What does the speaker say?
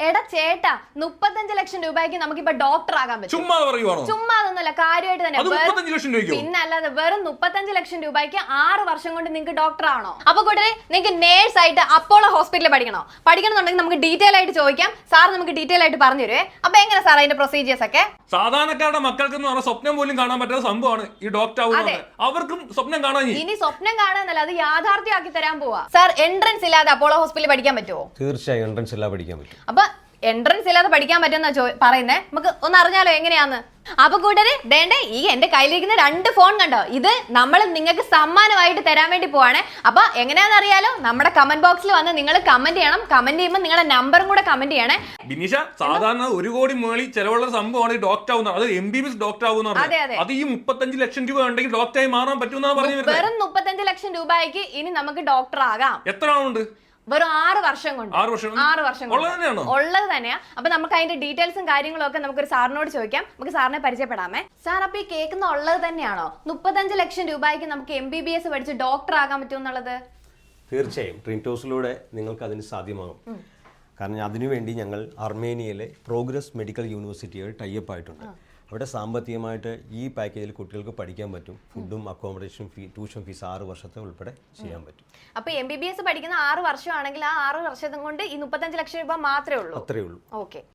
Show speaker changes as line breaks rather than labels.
എടാ ചേട്ടാ 35 ലക്ഷം രൂപയ്ക്ക് നമുക്കിപ്പോ ഡോക്ടർ ആകാൻ പറ്റും. ചുമ്മാ അതൊന്നുമല്ല, കാര്യമായിട്ട് തന്നെ. പിന്നെ അല്ലാതെ വെറും 35 ലക്ഷം രൂപയ്ക്ക് 6 വർഷം കൊണ്ട് നിങ്ങൾക്ക് ഡോക്ടർ ആണോ? അപ്പൊ കൂടെ നിങ്ങൾക്ക് നേഴ്സ് ആയിട്ട് അപ്പോളോ ഹോസ്പിറ്റലിൽ പഠിക്കണമെന്നുണ്ടെങ്കിൽ നമുക്ക് ഡീറ്റെയിൽ ആയിട്ട് ചോദിക്കാം. സാർ നമുക്ക് ഡീറ്റെയിൽ ആയിട്ട് പറഞ്ഞു തരുവേ. അപ്പൊ എങ്ങനെ സാർ അതിന്റെ പ്രൊസീജിയേഴ്സ് ഒക്കെ?
സാധാരണക്കാരുടെ മക്കൾക്ക് സ്വപ്നം പോലും കാണാൻ പറ്റാത്ത സംഭവമാണ് ഈ ഡോക്ടർ ആവുന്നത്. അവർക്കും സ്വപ്നം കാണാൻ
ഇനി സ്വപ്നം കാണാനല്ല, അത് യാഥാർത്ഥ്യമാക്കി തരാൻ പോവാ. സാർ എൻട്രൻസ് ഇല്ലാതെ അപ്പോളോ ഹോസ്പിറ്റലിൽ പഠിക്കാൻ പറ്റുമോ?
തീർച്ചയായും എൻട്രൻസ് ഇല്ലാതെ പഠിക്കാൻ പറ്റും.
അപ്പൊ എൻട്രൻസ് ഇല്ലാതെ പഠിക്കാൻ പറ്റുന്ന പറയുന്നേ, നമുക്ക് ഒന്ന് അറിഞ്ഞാലോ എങ്ങനെയാന്ന്? അപ്പൊ കൂട്ടര് ദേണ്ടേ, ഈ എന്റെ കയ്യിലിരിക്കുന്ന 2 ഫോൺ കണ്ടോ, ഇത് നമ്മൾ നിങ്ങൾക്ക് സമ്മാനമായിട്ട് തരാൻ വേണ്ടി പോവാണ്. അപ്പൊ എങ്ങനെയാണെന്ന് അറിയാലോ, നമ്മുടെ കമന്റ് ബോക്സിൽ വന്ന് നിങ്ങൾ കമന്റ് ചെയ്യണം. കമന്റ് ചെയ്യുമ്പോൾ നിങ്ങളുടെ നമ്പറും കൂടെ കമന്റ് ചെയ്യണേ.
ബിനീഷ, സാധാരണ 1 കോടി മേളി ചെലവുള്ള സംഭവമാണ് ഡോക്ടർ ആവുന്നത്. അത് MBBS ഡോക്ടർ ആവുന്ന അത് ഈ 35 ലക്ഷം രൂപ ഉണ്ടെങ്കിൽ ഡോക്ടറായി മാറാൻ പറ്റുമെന്നാണ് പറഞ്ഞത്.
വെറും 35 ലക്ഷം രൂപയ്ക്ക് ഇനി നമുക്ക് ഡോക്ടർ ആകാം.
എത്ര ആളുണ്ട്?
വെറും 6 വർഷം കൊണ്ട്.
6 വർഷം
ഉള്ളത് തന്നെയാ. അപ്പൊ നമുക്ക് അതിന്റെ ഡീറ്റെയിൽസും കാര്യങ്ങളും ഒക്കെ നമുക്കൊരു സാറിനോട് ചോദിക്കാം. നമുക്ക് സാറിനെ പരിചയപ്പെടാമേ. സാർ, അപ്പൊ ഈ കേൾക്കുന്ന ഉള്ളത് തന്നെയാണോ 35 ലക്ഷം രൂപയ്ക്ക് നമുക്ക് MBBS പഠിച്ച് ഡോക്ടർ ആകാൻ പറ്റുമെന്നുള്ളത്?
തീർച്ചയായും ട്രിൻറ്റോസിലൂടെ നിങ്ങൾക്ക് അതിന് സാധ്യമാകും. കാരണം അതിനുവേണ്ടി ഞങ്ങൾ അർമേനിയയിലെ പ്രോഗ്രസ് മെഡിക്കൽ യൂണിവേഴ്സിറ്റിയായി ടൈപ്പ് ആയിട്ടുണ്ട്. അവിടെ സാമ്പത്തികമായിട്ട് ഈ പാക്കേജിൽ കുട്ടികൾക്ക് പഠിക്കാൻ പറ്റും. ഫുഡും അക്കോമഡേഷൻ ഫീ, ട്യൂഷൻ ഫീസ് 6 വർഷത്തെ ഉൾപ്പെടെ ചെയ്യാൻ പറ്റും.
അപ്പൊ MBBS പഠിക്കുന്ന 6 വർഷമാണെങ്കിൽ ആ 6 വർഷം കൊണ്ട് ഈ 35 ലക്ഷം രൂപ മാത്രമേ ഉള്ളൂ.
അത്രേ ഉള്ളൂ.
ഓക്കെ.